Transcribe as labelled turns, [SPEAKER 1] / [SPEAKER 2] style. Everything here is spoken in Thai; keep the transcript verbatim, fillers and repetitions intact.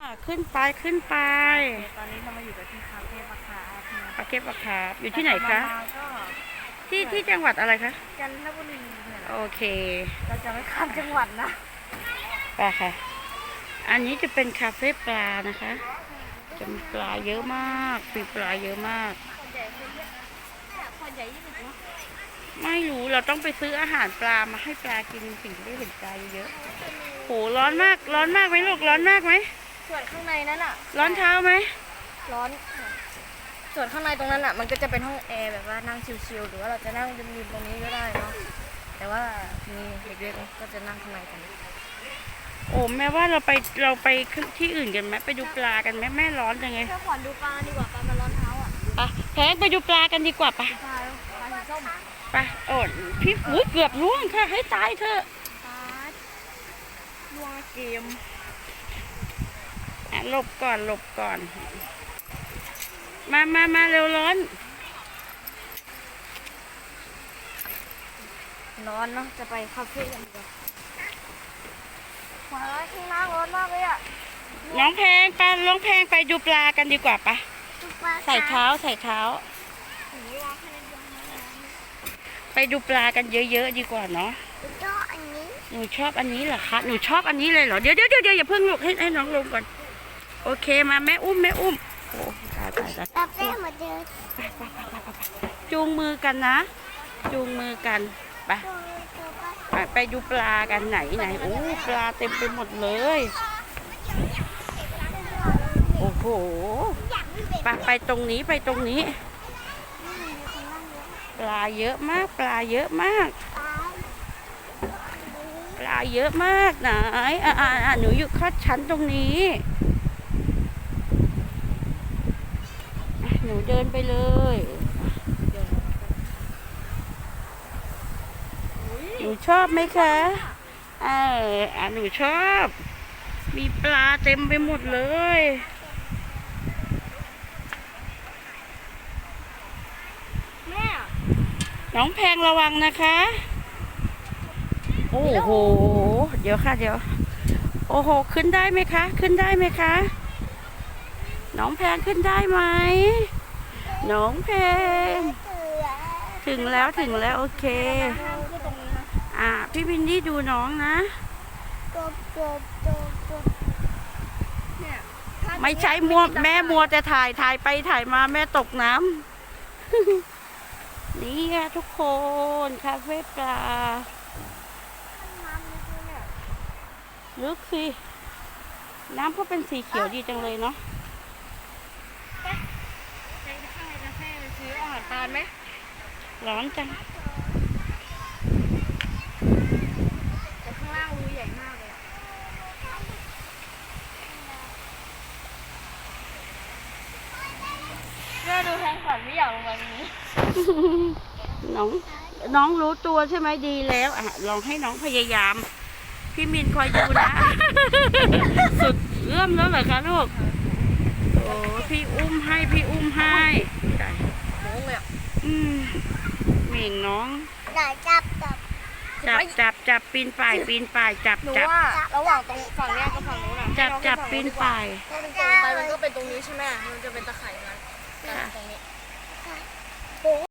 [SPEAKER 1] ขึ้นไปขึ้นไป
[SPEAKER 2] ตอนนี้เรามาอยู่กันที่คาเฟ่ปะคา
[SPEAKER 1] ปาเก็บปะคาอยู่ที่ไหนคะที่ที่จังหวัดอะไรคะ
[SPEAKER 2] จันทบุรีเนี่ย
[SPEAKER 1] โอเค
[SPEAKER 2] เราจะไม่ข้ามจังหวัดนะ
[SPEAKER 1] ไปค่ะอันนี้จะเป็นคาเฟ่ปลานะคะจะมีปลาเยอะมากมีปลาเยอะมากไม่รู้เราต้องไปซื้ออาหารปลามาให้ปลากินสิ่งที่ได้เห็นปลาเยอะโหร้อนมากร้อนมากไหมลูกร้อนมากไหม
[SPEAKER 2] ส่วนข้างในนั้นอ่ะ
[SPEAKER 1] ร้อนเท้าไหม
[SPEAKER 2] ร้อนส่วนข้างในตรงนั้นอ่ะมันก็จะเป็นห้องแอร์แบบว่านั่งชิลๆหรือว่าเราจะนั่งริมๆตรงนี้ก็ได้เนาะแต่ว่ามีเด็กๆก็จะนั่งข้างในกัน
[SPEAKER 1] โอ้แม่ว่าเราไปเราไปที่อื่นกันไหมไปดูปลากันไหมแม่ร้อนจังไง
[SPEAKER 2] แค่ขอนดูปลาดีกว่าปลามันร้อนเท้าอ่ะ
[SPEAKER 1] ไปแพงไปดูปลากันดีกว่าปะ
[SPEAKER 2] ปลาปลาสีส้ม
[SPEAKER 1] ไปโอ้พี่อุ้ยเกือบล่วงค่ะให้ตายเถอะ
[SPEAKER 2] ปลาล่วงเกม
[SPEAKER 1] อ่ะหลบก่อนหลบก่อนมามามาเร็วร้อน
[SPEAKER 2] ร้อนเนาะจะไปคาเฟ่กันดีกว่ามาข้างล่างร้อนมากเลยอ่ะ
[SPEAKER 1] น้องแพงไปน้องแพงไปดูปลากันดีกว่าปะใส่เท้าใส่เท้าไปดูปลากันเยอะๆดีกว่าเนาะหนูชอบอันนี้เหรอคะหนูชอบอันนี้เลยเหรอเดี๋ยวเดี๋ยวเดี๋ยวอย่าเพิ่งลุกให้ให้น้องลงก่อนโอเคมาแม่อุ้มแม่อุ้มโอ้ตายตายตาย
[SPEAKER 2] คาเฟ่เหมือนเดิม
[SPEAKER 1] ไปไปไปไปไปจูงมือกันนะจูงมือกันไปไปไปดูปลากันไหนไหนโอ้ปลาเต็มไปหมดเลยโอ้โหไปไปตรงนี้ไปตรงนี้ปลาเยอะมากปลาเยอะมากปลาเยอะมากไหนอ่าอ่าหนูอยู่ข้อชั้นตรงนี้หนูเดินไปเลยหนูชอบไหมคะเอออ่ะหนูชอบมีปลาเต็มไปหมดเลย
[SPEAKER 2] แม่
[SPEAKER 1] น้องแพงระวังนะคะโอ้โหเดี๋ยวค่ะเดี๋ยวโอ้โหขึ้นได้ไหมคะขึ้นได้ไหมคะน้องแพงขึ้นได้ไหมน้องแพงถึงแล้วถึงแล้วโอเคอ่าพี่วินดี้ดูน้องนะไม่ใช่มัวแม่มัวจะถ่ายถ่ายไปถ่ายมาแม่ตกน้ำนี่ค่ะทุกคนคาเฟ่ปลาลึกสิน้ำก็เป็นสีเขียวดีจังเลยเนาะ
[SPEAKER 2] ไปข้างในคาเฟ่ไปซื้ออาหารปลาไหม
[SPEAKER 1] ร้อนจัง
[SPEAKER 2] แต่ข้างล่างรูใหญ่มากเลยแม่ดูแทงฝันไม่อยากลงมานี้
[SPEAKER 1] น้องน้องรู้ตัวใช่ไหมดีแล้วอ่ะลองให้น้องพยายามพี่มินคอยดูนะสุดเอื้อมแล้วเหรอคะลูกโอ้พี่อุ้มให้พี่อุ้มให้
[SPEAKER 2] โม้เลยอ่ะ
[SPEAKER 1] อืมเหม่งน้อง
[SPEAKER 2] จับจับ
[SPEAKER 1] จับจับจับปีนป่ายปีนป่ายจับจับ
[SPEAKER 2] ระหว่างตรงฝั่งนี้กับฝั่งนู้นอ่ะ
[SPEAKER 1] จับจับปีนป่าย
[SPEAKER 2] ถ้าเป็นตรงไปมันก็เป็นตรงนี้ใช่ไหมมันจะเป็นตะไคร่นั้นตรงนี้